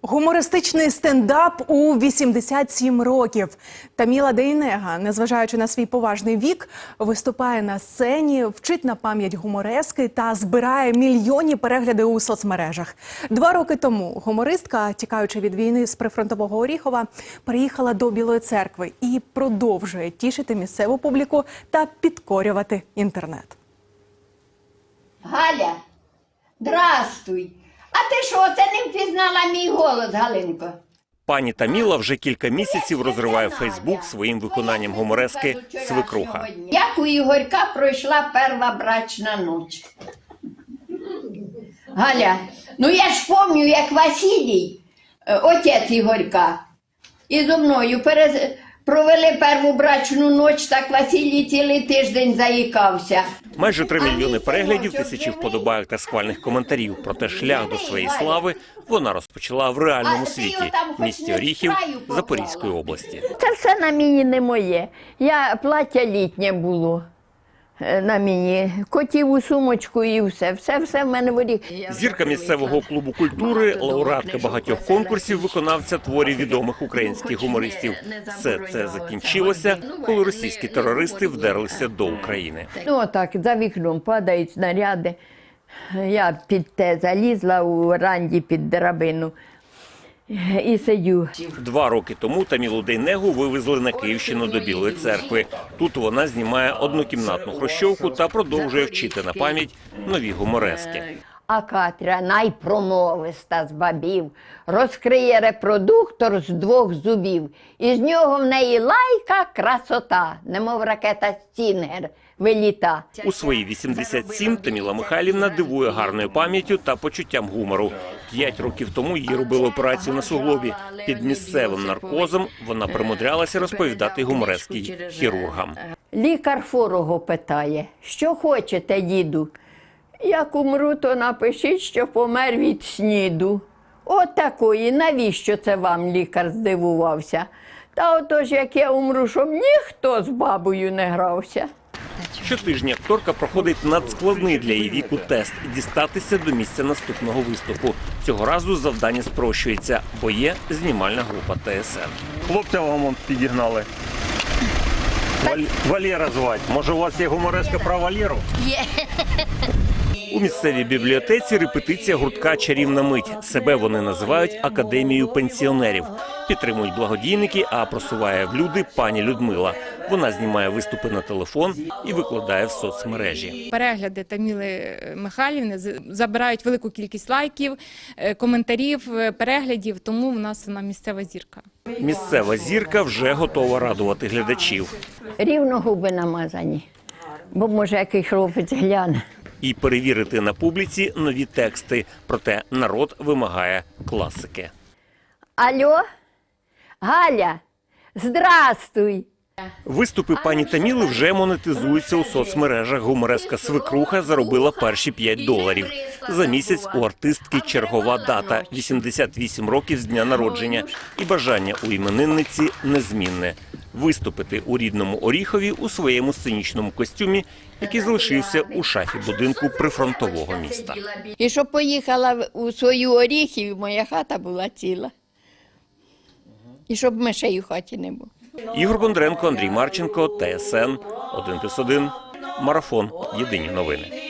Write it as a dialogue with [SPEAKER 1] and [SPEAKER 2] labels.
[SPEAKER 1] Гумористичний стендап у 87 років. Таміла Дейнега, незважаючи на свій поважний вік, виступає на сцені, вчить на пам'ять гуморески та збирає мільйонні перегляди у соцмережах. 2 роки тому гумористка, тікаючи від війни з прифронтового Оріхова, переїхала до Білої Церкви і продовжує тішити місцеву публіку та підкорювати інтернет.
[SPEAKER 2] Галя, здрастуй! А ти що, це не впізнала мій голос, Галинко?
[SPEAKER 3] Пані Таміла вже кілька місяців розриває Фейсбук своїм виконанням гуморески «Свекруха».
[SPEAKER 2] Як у Ігорька пройшла перша брачна ніч. Галя, ну я ж пам'ятаю, як Василій, отець Ігорька, і зо мною провели першу брачну ніч, так Василій цілий тиждень заїкався.
[SPEAKER 3] Майже 3 мільйони переглядів, тисячі вподобайок та схвальних коментарів. Проте шлях до своєї слави вона розпочала в реальному світі – місті Оріхів Запорізької області.
[SPEAKER 2] Це все на мені не моє. Плаття літнє було на мені, котіву сумочку і все. Все в мене в Оріхові.
[SPEAKER 3] Зірка місцевого клубу культури, лауреатка багатьох конкурсів, виконавця творів відомих українських гумористів. Все це закінчилося, коли російські терористи вдерлися до України.
[SPEAKER 2] Ну, отак, за вікном падають снаряди. Я під те залізла у ранді під драбину і сидю.
[SPEAKER 3] 2 роки тому Тамілу Дейнегу вивезли на Київщину до Білої Церкви. Тут вона знімає однокімнатну хрущовку та продовжує вчити на пам'ять нові гуморески.
[SPEAKER 2] А Катря, найпромовиста з бабів, розкриє репродуктор з 2 зубів. І з нього в неї лайка красота, немов ракета «Стінгер» виліта.
[SPEAKER 3] У свої 87 Таміла Михайлівна дивує гарною пам'яттю та почуттям гумору. 5 років тому їй робили операцію на суглобі. Під місцевим наркозом вона примудрялася розповідати гуморески хірургам.
[SPEAKER 2] Лікар хворого питає: що хочете, діду? Як умру, то напишіть, що помер від сніду. От такої, навіщо це вам, лікар здивувався? Та отож, як я умру, щоб ніхто з бабою не грався.
[SPEAKER 3] Щотижня акторка проходить надскладний для її віку тест – дістатися до місця наступного виступу. Цього разу завдання спрощується, бо є знімальна група ТСН. Хлопця вам підігнали. Валера звати. Може, у вас є гумореска про Валеру?
[SPEAKER 2] Є.
[SPEAKER 3] У місцевій бібліотеці репетиція гуртка «Чарівна мить». Себе вони називають «Академією пенсіонерів». Підтримують благодійники, а просуває в люди пані Людмила. Вона знімає виступи на телефон і викладає в соцмережі.
[SPEAKER 4] Перегляди Таміли Михайлівни забирають велику кількість лайків, коментарів, переглядів, тому в нас вона місцева зірка.
[SPEAKER 3] Місцева зірка вже готова радувати глядачів.
[SPEAKER 2] Рівно губи намазані, бо може який хлопець гляне.
[SPEAKER 3] І перевірити на публіці нові тексти. Проте народ вимагає класики.
[SPEAKER 2] Алло, Галя, здрастуй!
[SPEAKER 3] Виступи пані Таміли вже монетизуються у соцмережах. Гумореска «Свекруха» заробила перші $5. За місяць у артистки чергова дата – 88 років з дня народження. І бажання у іменинниці незмінне – виступити у рідному Оріхові у своєму сценічному костюмі, який залишився у шафі будинку прифронтового міста.
[SPEAKER 2] І щоб поїхала у свою Оріхів, моя хата була ціла. І щоб мишей у хаті не було.
[SPEAKER 3] Ігор Бондренко, Андрій Марченко, ТСН 1+1, Марафон. Єдині новини.